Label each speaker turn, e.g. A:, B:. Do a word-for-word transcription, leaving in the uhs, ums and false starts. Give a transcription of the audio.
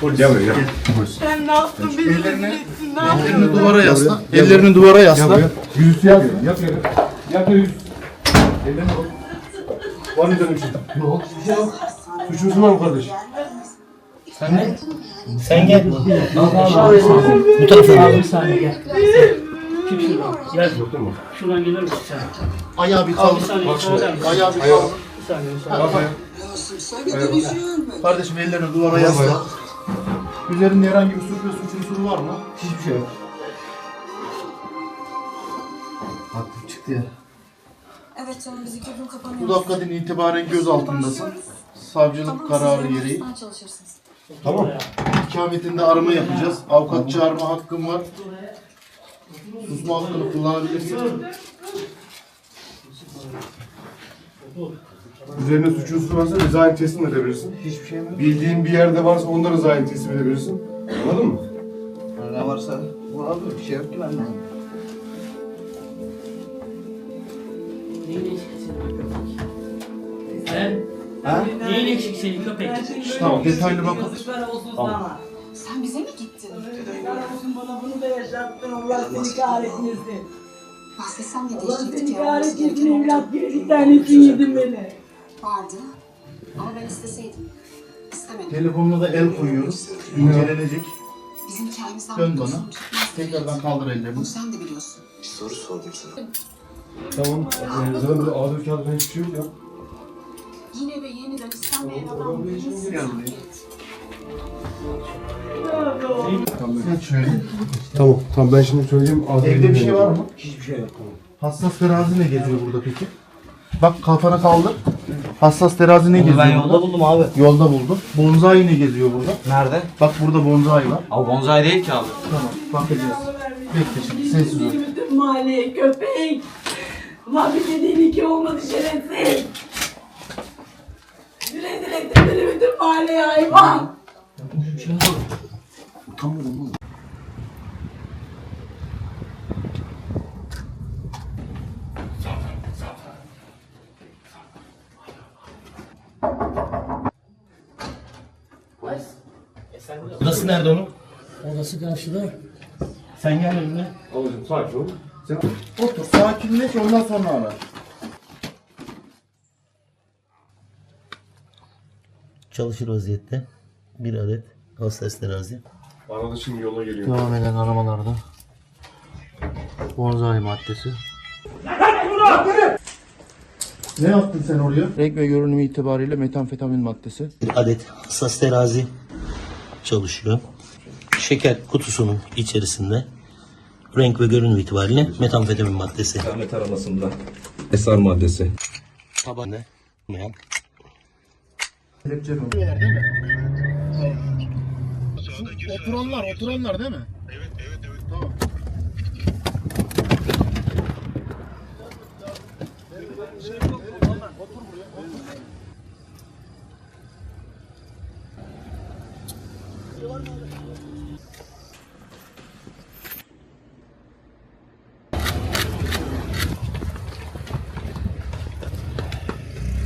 A: polis.
B: Gel buraya gel.
C: Sen ne yaptın? Beni
A: Ellerini,
C: rezil ettin. Ne yaptın?
A: ellerini duvara yasla.
B: Gel
A: Ellerini duvara
B: Gel
A: yasla.
B: buraya. Yüzüstü yat yere. Yat yere. Yat yere yüz. Ellerini koy. Var mı canım bir şey? Yok. Bir şey yok. Suçlusun var mı kardeş?
D: Sen gel.
E: Bu tarafa gel. Bir saniye gel. Çık şuradan. Gel.
B: Yok değil mi?
E: Şuradan gelir misin sen?
A: Ayağı bir
E: Abi
A: kaldır.
E: bir saniye.
B: Bak şimdi.
E: Ayağı
A: Ayağı bir
B: Ayağı.
A: kaldır.
E: bir saniye. Bir saniye.
B: Bak ayağa.
A: Kardeşim ellerini duvara yasla. Üzerinde herhangi bir suç ve suç unsuru var mı?
B: Hiçbir şey yok.
A: Aktif çıktı ya.
F: Evet canım biz iki gün kapanıyoruz.
A: Bu dakikadan itibaren gözaltındasın. Savcılık kararı gereği.
F: Çalışırsınız.
B: Tamam.
A: İkametinde arama yapacağız. Avukat çağırma hakkın var. Susma hakkını kullanabilirsin.
B: Üzerine suç unsuru varsa rızayet teslim edebilirsin.
A: Hiçbir şey mi?
B: Bildiğin bir yerde varsa onda rızayet teslim edebilirsin. Anladın mı?
A: Ne varsa bu abi bir şey yok ki benden.
E: Neyin eksik senin köpek? He?
A: Ha?
E: Neyin eksik senin köpek?
A: Tamam detaylı bakalım.
F: Sen bize mi gittin?
C: Bana bunu da yaşattın. Allah seni kahretmesin.
F: Bahsetsem ne
C: Allah
F: değişecekti
C: seni
F: ki? Olması
C: kahretmesin.
F: gereken
C: Evlat gibi bir tanesini yedin beni.
F: vardı. Ama ben isteseydim. İstemedim.
A: Telefonuna da el koyuyoruz. İncelenecek.
F: Bizim hikayemizden
A: Dön
F: bir
A: bana.
F: kusur çıkmaz.
A: Tekrardan kaldır ellerini.
F: Bunu sen de biliyorsun.
B: Tamam. Ee, zaten böyle ağzı kağıdı falan hiçbir şey yok ya.
F: Yine ve yeniden istenmeyen adam
A: Gel
F: nasıl
A: buraya.
B: Tamam.
A: Geç şöyle.
B: Tamam. Tamam ben şimdi söyleyeyim. Ağzı
A: Evde bir şey var mı?
D: Hiçbir şey yok.
A: Hassas terazi ne geziyor burada peki? Bak kafanı kaldır. Hassas terazi ne geziyor
D: Ben
A: burada?
D: yolda buldum abi.
A: Yolda buldum. Bonzai ne geziyor burada?
D: Nerede?
A: Bak burada bonzai var.
D: Abi bonsai değil ki abi.
A: Tamam bakacağız. Bekle şimdi sessiz ol.
C: Bütün mahalleye köpek. Ulan bir dediğin iki olmadı şerefsiz. Rezil ettin beni bütün mahalleye hayvan.
A: Utanmadım oğlum.
D: Odası nerede onun?
E: Odası karşıda.
D: Sen gel önüne.
B: Babacım sakin ol. Sen...
A: Otur sakinleş ondan sonra ara.
D: Çalışır vaziyette. Bir adet hassas terazi.
B: Arada şimdi yola geliyor.
A: Devam eden aramalarda bonzai maddesi. Ne yaptın sen oraya? Renk ve görünümü itibariyle metamfetamin maddesi.
D: Bir adet hassas terazi çalışıyor. Şeker kutusunun içerisinde renk ve görünüm itibariyle metamfetamin maddesi.
G: Ahmet aramasında esrar maddesi.
D: Tabanı olmayan.
A: Kelepçe mi? Oturanlar, oturanlar değil mi? Evet, evet, evet. Tamam. Otur buraya.